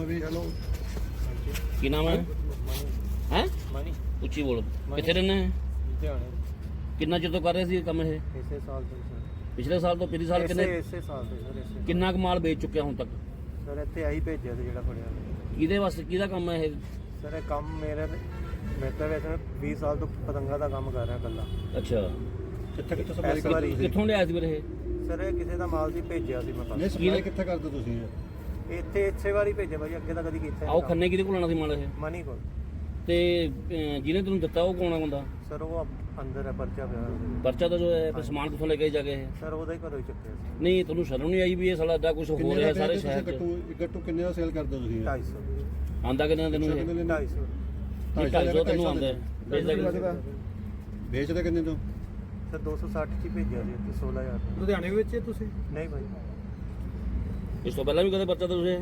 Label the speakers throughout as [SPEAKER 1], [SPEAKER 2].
[SPEAKER 1] है भी? चलो
[SPEAKER 2] ਕੀ ਨਾਮ ਹੈ ਹੈ
[SPEAKER 3] ਮਨੀ
[SPEAKER 2] ਉੱਚੀ ਬੋਲੋ ਕਿੱਥੇ ਰਹਿੰਦੇ ਹੈ
[SPEAKER 3] ਲੁਧਿਆਣੇ
[SPEAKER 2] ਕਿੰਨਾ ਚਿਰ ਤੋਂ ਕਰ ਰਹੇ ਸੀ ਇਹ ਕੰਮ ਇਹ
[SPEAKER 3] ਇਸੇ ਸਾਲ ਤੋਂ ਸਰ
[SPEAKER 2] ਪਿਛਲੇ ਸਾਲ ਤੋਂ ਪਿਛਲੇ ਸਾਲ ਕਿੰਨੇ
[SPEAKER 3] ਇਸੇ ਸਾਲ ਤੋਂ ਸਰ ਇਸੇ
[SPEAKER 2] ਕਿੰਨਾ ਕੁ ਮਾਲ ਵੇਚ ਚੁੱਕਿਆ ਹੁਣ ਤੱਕ
[SPEAKER 3] ਸਰ ਇੱਥੇ ਆਹੀ ਭੇਜਿਆ ਸੀ ਜਿਹੜਾ ਫੜਿਆ
[SPEAKER 2] ਕਿਹਦੇ ਵਾਸਤੇ ਕਿਹਦਾ ਕੰਮ ਹੈ ਇਹ
[SPEAKER 3] ਸਰ ਇਹ ਕੰਮ ਮੈਂ ਤਾਂ ਵੈਸੇ 20 ਸਾਲ ਤੋਂ ਪਤੰਗਾ ਦਾ ਕੰਮ ਕਰ ਰਿਹਾ ਇਕੱਲਾ
[SPEAKER 2] ਅੱਛਾ
[SPEAKER 1] ਕਿੱਥੇ
[SPEAKER 3] ਸਪਲਾਈ ਕਰਦੇ ਹੋ?
[SPEAKER 2] ਕਿੱਥੋਂ ਲਿਆਇਆ ਸੀ ਵੀਰੇ ਇਹ
[SPEAKER 3] ਸਰ ਇਹ ਕਿਸੇ ਦਾ ਮਾਲ ਸੀ ਭੇਜਿਆ ਸੀ ਮੈਂ
[SPEAKER 1] ਨਹੀਂ ਸਪਲਾਈ ਕਿੱਥੇ ਕਰਦੇ ਤੁਸੀਂ
[SPEAKER 3] ਇੱਥੇ ਇੱਥੇ ਵਾਰੀ ਭੇਜਿਆ ਭਾਈ ਅੱਗੇ ਤਾਂ ਕਦੀ ਕੀਤਾ
[SPEAKER 2] ਆਓ ਖੰਨੇ ਕਿਹਦੇ ਕੋਲ ਆਣਾ ਸੀ ਮਾਲ ਇਹ
[SPEAKER 3] ਮਨੀ ਕੋਲ
[SPEAKER 2] ਤੇ ਜਿਹਨੇ ਤੈਨੂੰ ਦਿੱਤਾ ਉਹ ਕੌਣ ਆ ਬੰਦਾ
[SPEAKER 3] ਸਰ ਉਹ ਅੰਦਰ ਹੈ ਪਰਚਾ ਪਿਆ ਉਹਦੇ।
[SPEAKER 2] ਪਰਚਾ ਤਾਂ ਜੋ ਹੈ ਫਿਰ ਸਮਾਨ ਕਿੱਥੋਂ ਲੈ ਕੇ ਜਾ ਕੇ ਇਹ
[SPEAKER 3] ਸਰ ਉਹਦਾ ਹੀ ਘਰੋਂ ਹੀ ਚੱਕਿਆ ਸੀ
[SPEAKER 2] ਨਹੀਂ ਤੁਹਾਨੂੰ ਸ਼ਰਮ ਨਹੀਂ ਆਈ ਵੀ ਇਹ ਸਾਲਾ ਏਦਾਂ ਕੁਝ ਹੋ ਰਿਹਾ ਸਾਰੇ ਸ਼ਹਿਰ 'ਚ
[SPEAKER 1] ਗੱਟੂ ਕਿੰਨੇ ਦਾ ਸੇਲ ਕਰਦੇ ਹੋ ਤੁਸੀਂ
[SPEAKER 3] 250
[SPEAKER 2] ਆਂਦਾ ਕਿੰਨਾ ਤੈਨੂੰ ਇਹ
[SPEAKER 3] 250
[SPEAKER 2] 250 ਤੈਨੂੰ ਆਂਦਾ ਹੈ। ਵੇਚਦਾ ਕਿੰਨਾ?
[SPEAKER 1] ਵੇਚਦੇ ਕਿੰਨੇ ਤੋਂ
[SPEAKER 3] ਸਰ 260 ਚ ਹੀ ਭੇਜਿਆ ਸੀ ਇੱਥੇ 16000
[SPEAKER 4] ਲੁਧਿਆਣੇ ਵਿੱਚ ਤੁਸੀਂ
[SPEAKER 3] ਨਹੀਂ ਭਾਈ
[SPEAKER 2] ਇਸ ਤੋਂ ਪਹਿਲਾਂ ਵੀ ਕਦੇ ਪਰਚਾ ਤਾਂ ਤੁਸੀਂ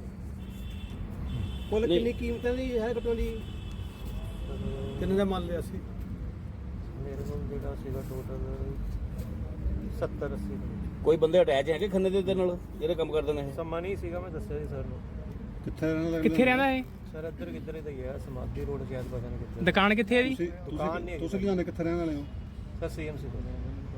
[SPEAKER 4] ਕੁੱਲ
[SPEAKER 2] ਨਹੀਂ।
[SPEAKER 4] ਕਿੰਨੀ ਕੀਮਤ ਦੀ ਹੈ ਕੱਟੋਂ ਦੀ ਕਿੰਨੇ ਦਾ ਮਾਲ ਲਿਆ ਸੀ
[SPEAKER 3] ਮੇਰੇ ਕੋਲ ਜਿਹੜਾ ਸੀਗਾ ਟੋਟਲ 70 80
[SPEAKER 2] ਕੋਈ ਬੰਦੇ ਅਟੈਚ ਹੈਗੇ ਖੰਨੇ ਦੇ ਨਾਲ ਜਿਹੜੇ ਕੰਮ ਕਰਦੇ ਨੇ ਇਹ
[SPEAKER 3] ਸਮਾਂ ਨਹੀਂ ਸੀਗਾ ਮੈਂ ਦੱਸਿਆ ਸੀ ਸਰ ਨੂੰ
[SPEAKER 1] ਕਿੱਥੇ ਰਹਿਣਾ
[SPEAKER 4] ਹੈ
[SPEAKER 3] ਸਰ ਇੱਧਰ ਕਿੱਧਰ ਹੀ ਹੈ ਸਮਾਧੀ ਰੋਡ ਸ਼ਾਇਦ ਪਤਾ ਨਹੀਂ ਕਿੱਧਰ
[SPEAKER 4] ਦੁਕਾਨ ਕਿੱਥੇ ਹੈ ਜੀ
[SPEAKER 3] ਦੁਕਾਨ ਨਹੀਂ ਹੈਗੀ।
[SPEAKER 1] ਤੁਸੀਂ ਲਿਆਉਂਦੇ ਕਿੱਥੇ ਰਹਿਣ ਵਾਲੇ ਹੋ
[SPEAKER 3] ਸਰ ਸੀਐਮਸੀ ਤੋਂ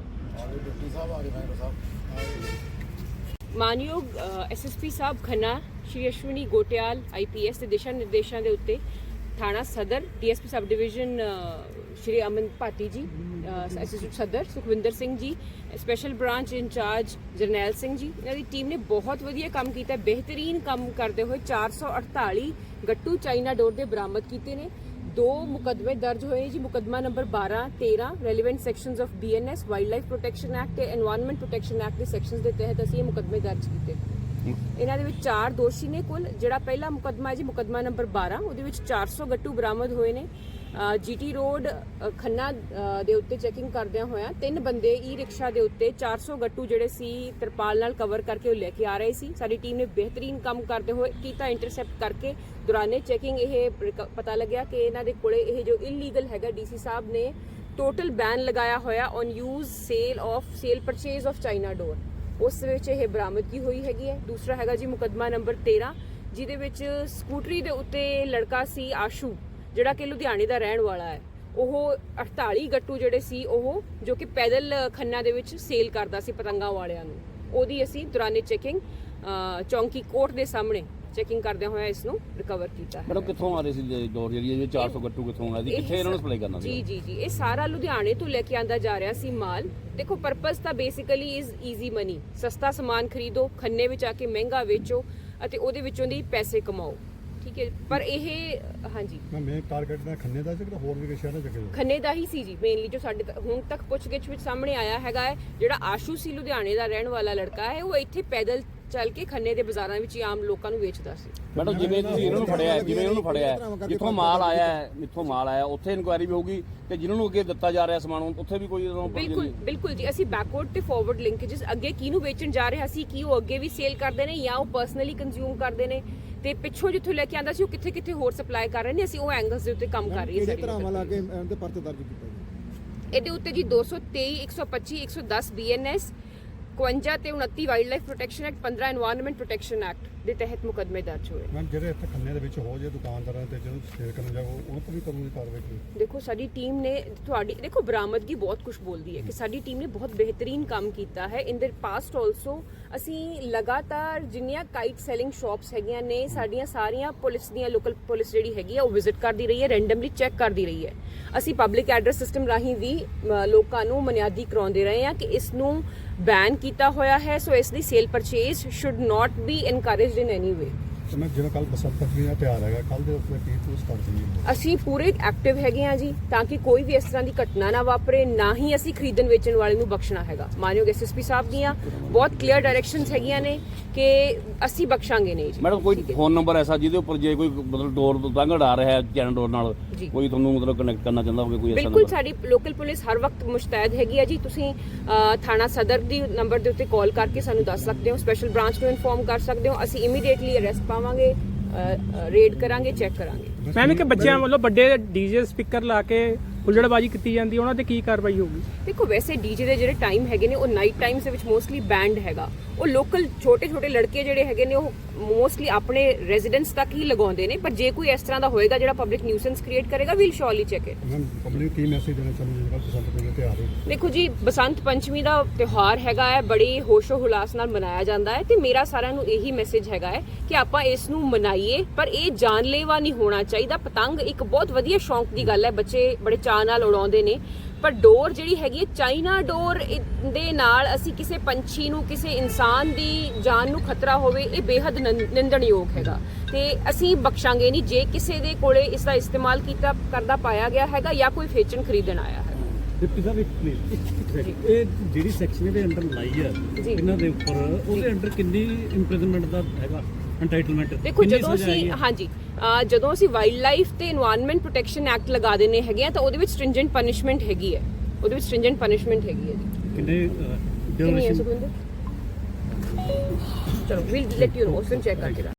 [SPEAKER 5] ਮਾਨਯੋਗ ਐਸਐਸਪੀ ਸਾਹਿਬ ਖੰਨਾ ਸ਼੍ਰੀ ਅਸ਼ਵਨੀ ਗੋਟਿਆਲ ਆਈਪੀਐਸ ਦੇ ਦਿਸ਼ਾ ਨਿਰਦੇਸ਼ਾਂ ਦੇ ਉੱਤੇ ਥਾਣਾ ਸਦਰ DSP sub division Shri Aman Bhati ji SSP ਸਦਰ Sukhwinder Singh ji special branch incharge Jarnail Singh ji ਇਹਨਾਂ ਦੀ ਟੀਮ ਨੇ ਬਹੁਤ ਵਧੀਆ ਕੰਮ ਕੀਤਾ ਬਿਹਤਰੀਨ ਕੰਮ ਕਰਦੇ ਹੋਏ 448 ਗੱਟੂ ਚਾਈਨਾ ਡੋਰ ਦੇ ਬਰਾਮਦ ਕੀਤੇ ਨੇ 2 ਮੁਕੱਦਮੇ ਦਰਜ ਹੋਏ ਜੀ ਮੁਕੱਦਮਾ number 12 13 relevant sections of BNS wildlife protection act ਤੇ এনवायरमेंट ਪ੍ਰੋਟੈਕਸ਼ਨ ਐਕਟ ਦੇ ਸੈਕਸ਼ਨਸ ਦੇ ਤਹਿਤ ਅਸੀਂ ਇਹ ਮੁਕੱਦਮੇ ਦਰਜ ਕੀਤੇ ਇਹਨਾਂ ਦੇ ਵਿੱਚ 4 ਦੋਸ਼ੀ ਨੇ ਕੁੱਲ ਜਿਹੜਾ ਪਹਿਲਾ ਮੁਕੱਦਮਾ ਹੈ ਜੀ ਮੁਕੱਦਮਾ ਨੰਬਰ 12 ਉਹਦੇ ਵਿੱਚ 400 ਗੱਟੂ ਬਰਾਮਦ ਹੋਏ ਨੇ ਜੀਟੀ ਰੋਡ ਖੰਨਾ ਦੇ ਉੱਤੇ ਚੈਕਿੰਗ ਕਰਦਿਆਂ ਹੋਇਆਂ 3 ਬੰਦੇ ਈ ਰਿਕਸ਼ਾ ਦੇ ਉੱਤੇ 400 ਗੱਟੂ ਜਿਹੜੇ ਸੀ ਤਰਪਾਲ ਨਾਲ ਕਵਰ ਕਰਕੇ ਉਹ ਲੈ ਕੇ ਆ ਰਹੇ ਸੀ ਸਾਡੀ ਟੀਮ ਨੇ ਬਿਹਤਰੀਨ ਕੰਮ ਕਰਦੇ ਹੋਏ ਕੀਤਾ ਇੰਟਰਸੈਪਟ ਕਰਕੇ ਦੌਰਾਨੇ ਚੈਕਿੰਗ ਇਹ ਪਤਾ ਲੱਗਿਆ ਕਿ ਇਹਨਾਂ ਦੇ ਕੋਲੇ ਇਹ ਜੋ ਇਲੀਗਲ ਹੈਗਾ ਡੀਸੀ ਸਾਹਿਬ ਨੇ ਟੋਟਲ ਬੈਨ ਲਗਾਇਆ ਹੋਇਆ on use sale purchase of China ਡੋਰ ਉਸ ਵਿੱਚ ਇਹ ਬਰਾਮਦਗੀ ਹੋਈ ਹੈਗੀ ਹੈ ਦੂਸਰਾ ਹੈਗਾ ਜੀ ਮੁਕੱਦਮਾ ਨੰਬਰ 13 ਜਿਹਦੇ ਵਿੱਚ ਸਕੂਟਰੀ ਦੇ ਉੱਤੇ ਲੜਕਾ ਸੀ ਆਸ਼ੂ ਜਿਹੜਾ ਕਿ ਲੁਧਿਆਣੇ ਦਾ ਰਹਿਣ ਵਾਲਾ ਹੈ ਉਹ 48 ਗੱਟੂ ਜਿਹੜੇ ਸੀ ਉਹ ਜੋ ਕਿ ਪੈਦਲ ਖੰਨਾ ਦੇ ਵਿੱਚ ਸੇਲ ਕਰਦਾ ਸੀ ਪਤੰਗਾਂ ਵਾਲਿਆਂ ਨੂੰ ਉਹਦੀ ਅਸੀਂ ਦੌਰਾਨੇ ਚੈਕਿੰਗ ਚੌਂਕੀ ਕੋਰਟ ਦੇ ਸਾਹਮਣੇ ਚੈਕਿੰਗ ਕਰਦੇ ਹੋਇਆ ਇਸ ਨੂੰ ਰਿਕਵਰ ਕੀਤਾ ਹੈ
[SPEAKER 2] ਮੈਡਮ ਕਿੱਥੋਂ ਆ ਰਹੀ ਸੀ ਡੋਰ ਜਿਹੜੀ ਇਹ 400 ਗੱਟੂ ਕਿੱਥੋਂ ਆ ਰਹੀ ਕਿੱਥੇ ਇਹਨਾਂ ਨੂੰ ਸਪਲਾਈ ਕਰਨਾ ਸੀ
[SPEAKER 5] ਜੀ ਇਹ ਸਾਰਾ ਲੁਧਿਆਣੇ ਤੋਂ ਲੈ ਕੇ ਆਂਦਾ ਜਾ ਰਿਹਾ ਸੀ ਮਾਲ ਦੇਖੋ ਪਰਪਸ ਤਾਂ ਬੇਸਿਕਲੀ ਇਜ਼ ਈਜ਼ੀ ਮਨੀ ਸਸਤਾ ਸਮਾਨ ਖਰੀਦੋ ਖੰਨੇ ਵਿੱਚ ਆ ਕੇ ਮਹਿੰਗਾ ਵੇਚੋ ਅਤੇ ਉਹਦੇ ਵਿੱਚੋਂ ਦੀ ਪੈਸੇ ਕਮਾਓ ਠੀਕ ਹੈ ਪਰ ਇਹ ਹਾਂਜੀ
[SPEAKER 1] ਮੈਂ ਟਾਰਗੇਟ ਦਾ ਖੰਨੇ ਦਾ ਸੀ ਕਿ ਹੋਰ ਵੀ ਕਿਸੇ ਸ਼ਹਿਰ ਦਾ ਚੱਕੇ
[SPEAKER 5] ਖੰਨੇ ਦਾ ਹੀ ਸੀ ਜੀ ਮੇਨਲੀ ਜੋ ਸਾਡੇ ਹੁਣ ਤੱਕ ਪੁੱਛਗਿੱਛ ਵਿੱਚ ਸਾਹਮਣੇ ਆਇਆ ਹੈਗਾ ਹੈ ਜਿਹੜਾ ਆਸ਼ੂ ਸੀ ਲੁਧਿਆਣੇ ਦਾ ਰਹਿਣ ਵਾਲਾ ਲੜਕਾ ਹੈ ਉਹ ਇੱਥੇ ਪੈਦਲ ਚੱਲ ਕੇ ਖੰਨੇ ਦੇ ਬਾਜ਼ਾਰਾਂ ਵਿੱਚ ਹੀ ਆਮ ਲੋਕਾਂ ਨੂੰ ਵੇਚਦਾ ਸੀ
[SPEAKER 2] ਮੈਡਮ ਜਿਵੇਂ ਤੁਸੀਂ ਇਹਨਾਂ ਨੂੰ ਫੜਿਆ ਜਿਵੇਂ ਇਹਨਾਂ ਨੂੰ ਫੜਿਆ ਜਿੱਥੋਂ ਮਾਲ ਆਇਆ ਉੱਥੇ ਇਨਕੁਆਇਰੀ ਵੀ ਹੋਊਗੀ ਤੇ ਜਿਨ੍ਹਾਂ ਨੂੰ ਅੱਗੇ ਦਿੱਤਾ ਜਾ ਰਿਹਾ ਸਮਾਨ ਉੱਥੇ ਵੀ ਕੋਈ
[SPEAKER 5] ਬਿਲਕੁਲ ਜੀ ਅਸੀਂ ਬੈਕਵਰਡ ਤੇ ਫਾਰਵਰਡ ਲਿੰਕੇजेस ਅੱਗੇ ਕਿਹਨੂੰ ਵੇਚਣ ਜਾ ਰਿਹਾ ਸੀ ਕੀ ਉਹ ਅੱਗੇ ਵੀ ਸੇਲ ਕਰਦੇ ਨੇ ਜਾਂ ਉਹ ਪਰਸਨਲੀ ਕੰਜ਼ਿਊਮ ਕਰਦੇ ਨੇ ਤੇ ਪਿੱਛੋਂ ਜਿੱਥੋਂ ਲੈ ਕੇ ਆਂਦਾ ਸੀ ਉਹ ਕਿੱਥੇ ਹੋਰ ਸਪਲਾਈ ਕਰ ਰਹੇ ਨੇ ਅਸੀਂ ਉਹ ਐਂਗਲਸ ਦੇ ਉੱਤੇ ਕੰਮ ਕਰ ਰਹੀ ਹਾਂ
[SPEAKER 4] ਕਿਹੜੇ ਤਰ੍ਹਾਂ ਲਾ ਕੇ ਇਹਦੇ ਪਰਚੇ ਦਰਜ ਕੀਤਾ ਜੀ
[SPEAKER 5] ਇਹਦੇ ਉੱਤੇ ਜੀ 223 125 110 ਬੀਐਨਐਸ 52 ਤੇ 29 wildlife protection act 15 environment protection act ਦੇ ਤਹਿਤ ਮੁਕੱਦਮੇ ਦਰਜ ਹੋਏ
[SPEAKER 1] ਮੈਂ ਜਿਹੜੇ ਇੱਥੇ ਖੰਨੇ ਦੇ ਵਿੱਚ ਹੋ ਜੇ ਦੁਕਾਨਦਾਰਾਂ ਤੇ ਜਦੋਂ ਸੇਲ ਕਰਨ ਜਾਓ ਉਹਨਾਂ ਤੋਂ ਵੀ ਕਾਨੂੰਨੀ ਕਾਰਵਾਈ ਕੀਤੀ
[SPEAKER 5] ਦੇਖੋ ਸਾਡੀ ਟੀਮ ਨੇ ਤੁਹਾਡੀ ਦੇਖੋ ਬਰਾਮਦਗੀ ਬਹੁਤ ਕੁਝ ਬੋਲਦੀ ਹੈ ਕਿ ਸਾਡੀ ਟੀਮ ਨੇ ਬਹੁਤ ਬਿਹਤਰੀਨ ਕੰਮ ਕੀਤਾ ਹੈ ਇਨ ਦ ਪਾਸਟ ਆਲਸੋ ਅਸੀਂ ਲਗਾਤਾਰ ਜਿੰਨੀਆਂ ਕਾਈਟ ਸੈਲਿੰਗ ਸ਼ਾਪਸ ਹੈਗੀਆਂ ਨੇ ਸਾਡੀਆਂ ਸਾਰੀਆਂ ਪੁਲਿਸ ਦੀਆਂ ਲੋਕਲ ਪੁਲਿਸ ਜਿਹੜੀ ਹੈਗੀ ਆ ਉਹ ਵਿਜ਼ਿਟ ਕਰਦੀ ਰਹੀ ਹੈ ਰੈਂਡਮਲੀ ਚੈੱਕ ਕਰਦੀ ਰਹੀ ਹੈ ਅਸੀਂ ਪਬਲਿਕ ਐਡਰੈਸ ਸਿਸਟਮ ਰਾਹੀਂ ਵੀ ਲੋਕਾਂ ਨੂੰ ਮਨਿਆਦੀ ਕਰਾਉਂਦੇ ਰਹੇ ਹਾਂ ਕਿ ਇਸ ਨੂੰ ਬੈਨ ਕੀਤਾ ਹੋਇਆ ਹੈ ਸੋ ਇਸ ਦੀ sale purchase should not be encouraged in any way
[SPEAKER 1] ਤੇ ਮੈਂ ਜਿਵੇਂ ਕੱਲ ਬਸੰਤ ਪੰਚਮੀ ਦਾ ਤਿਉਹਾਰ ਹੈਗਾ ਕੱਲ ਦੇ ਉੱਤੇ ਕੀ ਪੋਸਟ ਕਰ ਦਈਏ
[SPEAKER 5] ਅਸੀਂ ਪੂਰੇ ਐਕਟਿਵ ਹੈਗੇ ਆ ਜੀ ਤਾਂ ਕਿ ਕੋਈ ਵੀ ਇਸ ਤਰ੍ਹਾਂ ਦੀ ਘਟਨਾ ਨਾ ਵਾਪਰੇ ਨਾ ਹੀ ਅਸੀਂ ਖਰੀਦਣ ਵੇਚਣ ਵਾਲੇ ਨੂੰ ਬਖਸ਼ਣਾ ਹੈਗਾ ਮਾਨਯੋਗ ਐਸਐਸਪੀ ਸਾਹਿਬ ਦੀਆਂ ਬਹੁਤ ਕਲੀਅਰ ਡਾਇਰੈਕਸ਼ਨਸ ਹੈਗੀਆਂ ਨੇ ਕਿ ਅਸੀਂ ਬਖਸ਼ਾਂਗੇ ਨਹੀਂ ਜੀ
[SPEAKER 2] ਮੈਡਮ ਕੋਈ ਫੋਨ ਨੰਬਰ ਐਸਾ ਜਿਹਦੇ ਉੱਪਰ ਜੇ ਕੋਈ ਮਤਲਬ ਡੋਰ ਦੰਗੜ ਆ ਰਿਹਾ ਹੈ ਚੈਨਲ ਡੋਰ ਨਾਲ ਕੋਈ ਤੁਹਾਨੂੰ ਮਤਲਬ ਕਨੈਕਟ ਕਰਨਾ ਚਾਹੁੰਦਾ ਹੋਵੇ ਕੋਈ ਐਸਾ
[SPEAKER 5] ਬਿਲਕੁਲ ਸਾਡੀ ਲੋਕਲ ਪੁਲਿਸ ਹਰ ਵਕਤ ਮੁਸ਼ਤੈਦ ਹੈਗੀ ਆ ਜੀ ਤੁਸੀਂ ਥਾਣਾ ਸਦਰ ਦੀ ਨੰਬਰ ਦੇ ਉੱਤੇ ਕਾਲ ਕਰਕੇ ਸਾਨੂੰ ਦੱਸ ਸਕਦੇ ਹੋ ਸਪੈਸ਼ਲ ਬ੍ਰਾਂਚ ਨੂੰ ਇਨਫੋਰਮ ਕਰ ਸਕਦੇ ਹੋ ਅਸੀਂ ਇਮੀਡੀਏਟਲੀ ਅਰੈਸਟ ਪਾਵਾਂਗੇ ਰੇਡ ਕਰਾਂਗੇ ਚੈੱਕ ਕਰਾਂਗੇ
[SPEAKER 4] ਮੈਮ ਕਿ ਬੱਚਿਆਂ ਵੱਲੋਂ ਵੱਡੇ ਡੀਜੇ ਸਪੀਕਰ ਲਾ ਕੇ ਹੁੱਲੜਬਾਜ਼ੀ ਕੀਤੀ ਜਾਂਦੀ ਹੈ ਉਹਨਾਂ ਤੇ ਕੀ ਕਾਰਵਾਈ ਹੋਊਗੀ?
[SPEAKER 5] ਦੇਖੋ ਵੈਸੇ ਡੀਜੇ ਦੇ ਜਿਹੜੇ ਟਾਈਮ ਹੈਗੇ ਨੇ ਉਹ ਨਾਈਟ ਟਾਈਮਸ ਦੇ ਵਿੱਚ ਮੋਸਟਲੀ ਬੈਂਡ ਹੈਗਾ। ਉਹ ਲੋਕਲ ਛੋਟੇ ਲੜਕੇ ਜਿਹੜੇ ਹੈਗੇ ਨੇ ਉਹ ਮੋਸਟਲੀ ਆਪਣੇ ਰੈਜ਼ੀਡੈਂਸ ਤੱਕ ਹੀ ਲਗਾਉਂਦੇ ਨੇ, ਪਰ ਜੇ ਕੋਈ ਇਸ ਤਰ੍ਹਾਂ ਦਾ ਹੋਏਗਾ ਜਿਹੜਾ ਪਬਲਿਕ ਨਿਊਸੈਂਸ ਕ੍ਰੀਏਟ ਕਰੇਗਾ will surely check it.
[SPEAKER 1] Ma'am public ਕੀ ਮੈਸੇਜ ਦੇਣਾ ਚਾਹੁੰਦੇ ਜਿਹੜਾ ਬਸੰਤ ਪੰਚਮੀ ਦਾ ਤਿਉਹਾਰ ਹੈ?
[SPEAKER 5] ਦੇਖੋ ਜੀ, ਬਸੰਤ ਪੰਚਮੀ ਦਾ ਤਿਉਹਾਰ ਹੈਗਾ ਹੈ, ਬੜੀ ਹੋਸ਼ੋ ਹੁਲਾਸ ਨਾਲ ਮਨਾਇਆ ਜਾਂਦਾ ਹੈ ਤੇ ਮੇਰਾ ਸਾਰਿਆਂ ਨੂੰ ਇਹੀ ਮੈਸੇਜ ਹੈਗਾ ਹੈ ਕਿ ਆਪਾਂ ਇਸ ਨੂੰ ਮਨਾਈਏ, ਪਰ ਇਹ ਜਾਨਲੇਵਾ ਨਹੀਂ ਹੋਣਾ ਚਾਹੀਦਾ। ਪਤੰਗ ਇੱਕ ਬਹੁਤ ਵਧੀਆ ਸ਼ੌਂਕ ਦੀ ਗੱਲ ਹੈ, ਬੱਚੇ ਬੜੇ ਚਾਅ ਨਾਲ ਉਡਾਉਂਦੇ ਨੇ, ਪਰ ਡੋਰ ਜਿਹੜੀ ਹੈਗੀ ਹੈ ਚਾਈਨਾ ਡੋਰ ਦੇ ਨਾਲ ਅਸੀਂ ਕਿਸੇ ਪੰਛੀ ਨੂੰ, ਕਿਸੇ ਇਨਸਾਨ ਦੀ ਜਾਨ ਨੂੰ ਖਤਰਾ ਹੋਵੇ, ਇਹ ਬੇਹੱਦ ਨਿੰਦਣਯੋਗ ਹੈਗਾ ਤੇ ਅਸੀਂ ਬਖਸ਼ਾਂਗੇ ਨਹੀਂ ਜੇ ਕਿਸੇ ਦੇ ਕੋਲੇ ਇਸ ਦਾ ਇਸਤੇਮਾਲ ਕਰਦਾ ਪਾਇਆ ਗਿਆ ਹੈਗਾ ਜਾਂ ਕੋਈ ਵੇਚਣ ਖਰੀਦਣ ਆਇਆ ਹੈ।
[SPEAKER 6] ਡਿਪਟੀ ਸਾਹਿਬ ਇੱਕ ਪਲੀਜ਼, ਇਹ ਜਿਹੜੀ ਸੈਕਸ਼ਨ ਇਹਦੇ ਅੰਡਰ ਲਾਈ ਹੈ
[SPEAKER 5] ਜੀ।
[SPEAKER 6] ਇਹਨਾਂ ਦੇ ਉੱਪਰ, ਉਹਦੇ ਅੰਡਰ ਕਿੰਨੀ ਇੰਪ੍ਰਿਜ਼ਨਮੈਂਟ ਦਾ ਹੈਗਾ ਐਂਟਾਈਟਲਮੈਂਟ?
[SPEAKER 5] ਦੇਖੋ ਜਦੋਂ ਅਸੀਂ ਜਦੋਂ ਅਸੀਂ ਵਾਈਲਡ ਲਾਈਫ ਤੇ এনवायरमेंट ਪ੍ਰੋਟੈਕਸ਼ਨ ਐਕਟ ਲਗਾ ਦਿੰਨੇ ਹੈਗੇ ਆ ਤਾਂ ਉਹਦੇ ਵਿੱਚ ਸਟ੍ਰਿੰਜੈਂਟ ਪਨਿਸ਼ਮੈਂਟ ਹੈਗੀ ਹੈ, ਉਹਦੇ ਵਿੱਚ ਸਟ੍ਰਿੰਜੈਂਟ ਪਨਿਸ਼ਮੈਂਟ ਹੈਗੀ ਹੈ ਜੀ।
[SPEAKER 6] ਕਿੰਨੇ
[SPEAKER 5] ਕਿੰਨੀ ਹੈ ਸੁਖਵਿੰਦਰ? ਚਲੋ ਵੀਲ ਲੈਟ ਯੂ ਨੋ, ਉਸ ਨੂੰ ਚੈੱਕ ਕਰਕੇ